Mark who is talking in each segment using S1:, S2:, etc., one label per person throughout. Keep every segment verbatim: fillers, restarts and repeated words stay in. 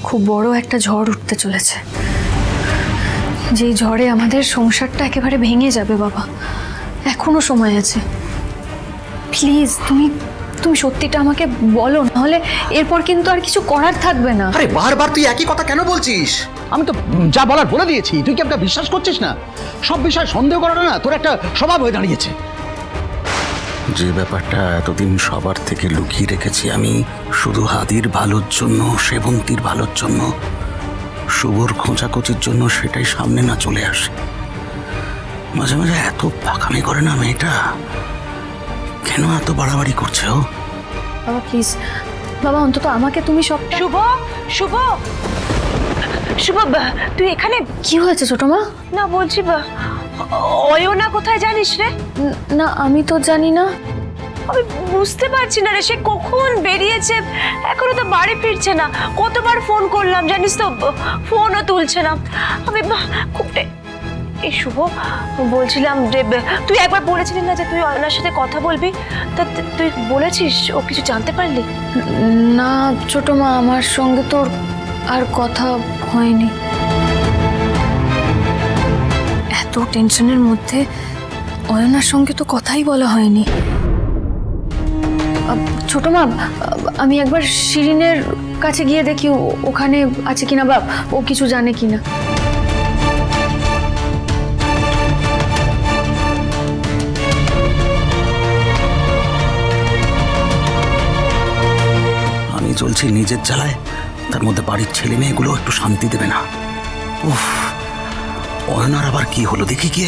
S1: খুব বড় একটা ঝড় উঠতে চলেছে, যেই ঝড়ে আমাদের সংসারটা একেবারে ভেঙে যাবে। বাবা, এখনো সময় আছে। প্লিজ তুমি তুমি সত্যিটা আমাকে বলো, নাহলে এরপর কিন্তু আর কিছু করার থাকবে না।
S2: আরে বারবার তুই একই কথা কেন বলছিস?
S3: আমি তো যা বলার বলে দিয়েছি, তুই কি একটা বিশ্বাস করছিস না? সব বিষয়ে সন্দেহ করাটা না তোর একটা স্বভাব হয়ে দাঁড়িয়েছে।
S2: যে ব্যাপারটা এতদিন সবার থেকে লুকিয়ে রেখেছি আমি, শুধু হাদির ভালোর জন্য, সেবন্তীর ভালোর জন্য, শুভর খোঁচাখুচির জন্য, সেটাই সামনে না চলে আসে। মাঝে মাঝে এত পাকামি করে না মেয়েটা, কেন এত বাড়াবাড়ি করছে ও?
S1: বাবা প্লিজ, বাবা অন্তত আমাকে তুমি সবটা।
S4: শুভ, শুভ, শুভ, তুই এখানে?
S1: কি হয়েছে ছোট মা?
S4: না বলছি অয়না কোথায় জানিস রে?
S1: না আমি তো জানি না।
S4: আমি বুঝতে পারছি না রে, সে কখন বেরিয়েছে, এখনো তো বাড়ি ফিরছে না। কতবার ফোন করলাম জানিস তো, ফোনও তুলছে না। আমি খুব এই শুভ বলছিলাম যে তুই একবার বলেছিলি না যে তুই অয়নার সাথে কথা বলবি, তা তুই বলেছিস? ও কিছু জানতে পারলি?
S1: না ছোট মা, আমার সঙ্গে তোর আর কথা হয়নি। এত টেনশনের মধ্যে অয়নার সঙ্গে তো কথাই বলা হয়নি। ছোট মা, আমি একবার শিরিনের কাছে গিয়ে দেখি ওখানে আছে কিনা, বা ও কিছু জানে কিনা।
S2: আমি চলছি নিজের জ্বালায়, তার মধ্যে বাড়ির ছেলে মেয়েগুলো একটু শান্তি দেবে না। উফ, অয়নার আবার কি হলো দেখি গিয়ে।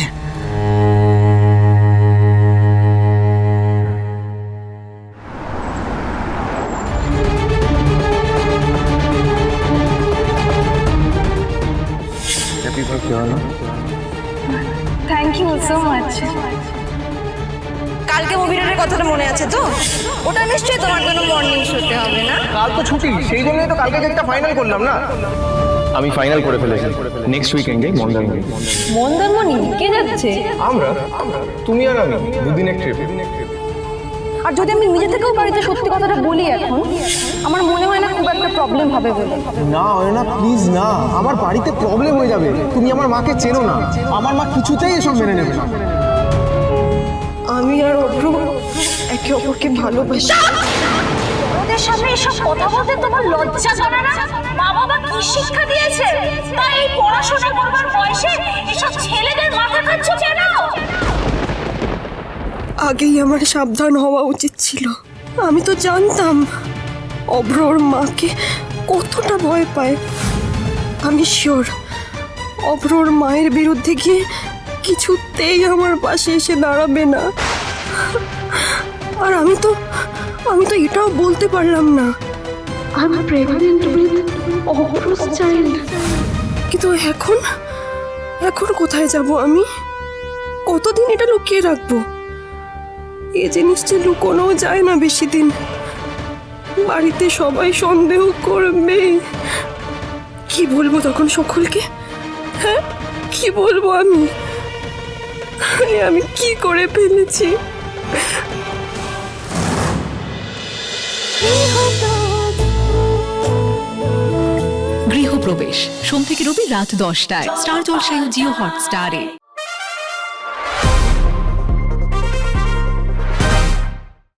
S4: Thank you so much. কালকে মুভি রোডের কথাটা মনে আছে তো? ওটা নিশ্চয়ই তোমার জন্য মর্নিং শোতে হবে না?
S5: কাল তো ছুটি, সেই জন্যই তো কালকে একটা ফাইনাল করলাম না। আমি ফাইনাল করে ফেলেছি, নেক্সট উইকেন্ডে মন্দারমণি।
S4: মন্দারমণি কে যাচ্ছে?
S5: আমরা তুমি আর আমি দুদিনের ট্রিপ।
S4: আর যদি আমি নিজে থেকেও বাড়িতে সত্যি কথাটা বলি এখন, আমার মনে হয় না খুব একটা প্রবলেম হবে বলে।
S5: না অয়না প্লিজ না, আমার বাড়িতে প্রবলেম হয়ে যাবে। তুমি আমার মাকে চেনো না, আমার মা কিছুতেই এসব মেনে নেবে না।
S4: আমি আর অভ্র একে অপরকে ভালোবাসি। ওদের সামনে এসব কথা বলতে তোমার লজ্জা করে না? মা বাবা কি শিক্ষা দিয়েছে? তাই এই পড়াশোনা করবার বয়সে এসব ছেলেদের মাথা খাচ্ছ কেন?
S6: আগেই আমার সাবধান হওয়া উচিত ছিল। আমি তো জানতাম অভ্রর মাকে কতটা ভয় পায়। আমি শিওর অভ্রর মায়ের বিরুদ্ধে গিয়ে কিছুতেই আমার পাশে এসে দাঁড়াবে না। আর আমি তো আমি তো এটাও বলতে পারলাম না I am pregnant with Abhra's child. কিন্তু এখন এখন কোথায় যাব আমি? কতদিন এটা লুকিয়ে রাখবো? এই জিনিসটা লুকোনোও যায় না বেশি দিন। বাড়িতে সবাই সন্দেহ করবে। কি বলবো তখন সকলকে? হ্যাঁ, কি বলবো আমি? আমি কি করে ফেলেছি?
S7: গৃহপ্রবেশ সোম থেকে রবি রাত দশটায় স্টার জলসায় ও জিও হটস্টারে।